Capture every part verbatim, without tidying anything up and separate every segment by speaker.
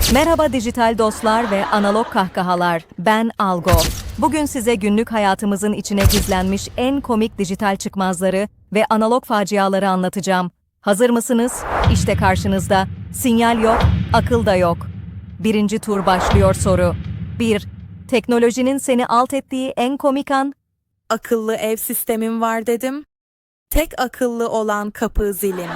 Speaker 1: Merhaba dijital dostlar ve analog kahkahalar. Ben Algo. Bugün size günlük hayatımızın içine gizlenmiş en komik dijital çıkmazları ve analog faciaları anlatacağım. Hazır mısınız? İşte karşınızda. Sinyal yok, akıl da yok. Birinci tur başlıyor soru. bir. Teknolojinin seni alt ettiği en komik an?
Speaker 2: Akıllı ev sistemim var dedim. Tek akıllı olan kapı zilim.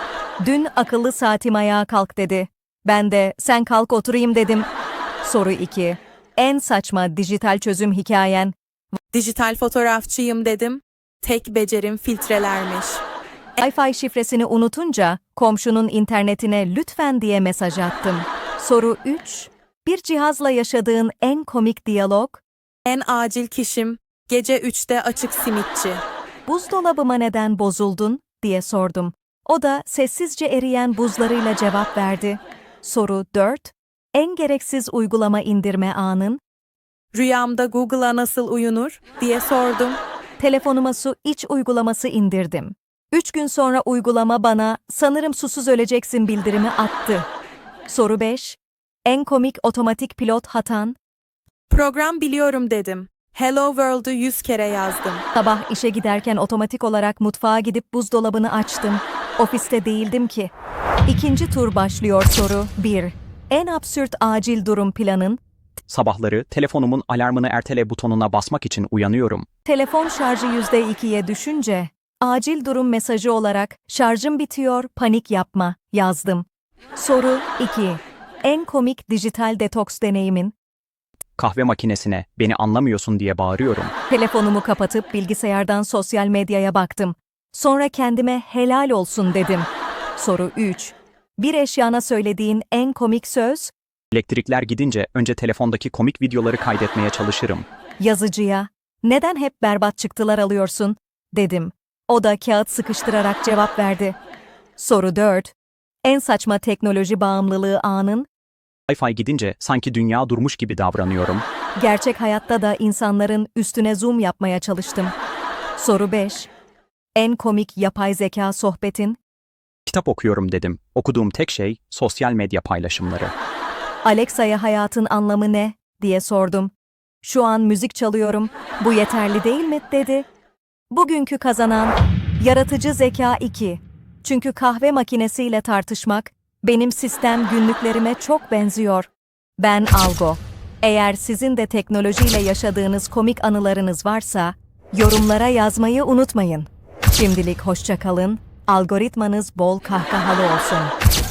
Speaker 1: Dün akıllı saatim ayağa kalk dedi. Ben de sen kalk oturayım dedim. Soru iki. En saçma dijital çözüm hikayen?
Speaker 2: Dijital fotoğrafçıyım dedim. Tek becerim filtrelermiş.
Speaker 1: Wi-Fi şifresini unutunca komşunun internetine lütfen diye mesaj attım. Soru üç. Bir cihazla yaşadığın en komik diyalog?
Speaker 2: En acil kişim gece üçte açık simitçi.
Speaker 1: Buzdolabıma neden bozuldun diye sordum. O da sessizce eriyen buzlarıyla cevap verdi. Soru dört. En gereksiz uygulama indirme anın?
Speaker 2: Rüyamda Google'a nasıl uyunur diye sordum.
Speaker 1: Telefonuma su iç uygulaması indirdim. Üç gün sonra uygulama bana sanırım susuz öleceksin bildirimi attı. Soru beş. En komik otomatik pilot hatan?
Speaker 2: Program biliyorum dedim. Hello World'u yüz kere yazdım.
Speaker 1: Sabah işe giderken otomatik olarak mutfağa gidip buzdolabını açtım. Ofiste değildim ki. İkinci tur başlıyor soru bir. En absürt acil durum planın?
Speaker 3: Sabahları telefonumun alarmını ertele butonuna basmak için uyanıyorum.
Speaker 1: Telefon şarjı yüzde ikiye düşünce, acil durum mesajı olarak şarjım bitiyor, panik yapma yazdım. Soru iki. En komik dijital detoks deneyimin?
Speaker 3: Kahve makinesine beni anlamıyorsun diye bağırıyorum.
Speaker 1: Telefonumu kapatıp bilgisayardan sosyal medyaya baktım. Sonra kendime helal olsun dedim. Soru üç. Bir eşyana söylediğin en komik söz?
Speaker 3: Elektrikler gidince önce telefondaki komik videoları kaydetmeye çalışırım.
Speaker 1: Yazıcıya, neden hep berbat çıktılar alıyorsun? Dedim. O da kağıt sıkıştırarak cevap verdi. Soru dört. En saçma teknoloji bağımlılığı anın?
Speaker 3: Wi-Fi gidince sanki dünya durmuş gibi davranıyorum.
Speaker 1: Gerçek hayatta da insanların üstüne zoom yapmaya çalıştım. Soru beş. En komik yapay zeka sohbetin?
Speaker 3: Kitap okuyorum dedim. Okuduğum tek şey sosyal medya paylaşımları.
Speaker 1: Alexa'ya hayatın anlamı ne? Diye sordum. Şu an müzik çalıyorum, bu yeterli değil mi? Dedi. Bugünkü kazanan yaratıcı zeka iki. Çünkü kahve makinesiyle tartışmak benim sistem günlüklerime çok benziyor. Ben Algo. Eğer sizin de teknolojiyle yaşadığınız komik anılarınız varsa yorumlara yazmayı unutmayın. Şimdilik hoşça kalın. Algoritmanız bol kahkahalı olsun.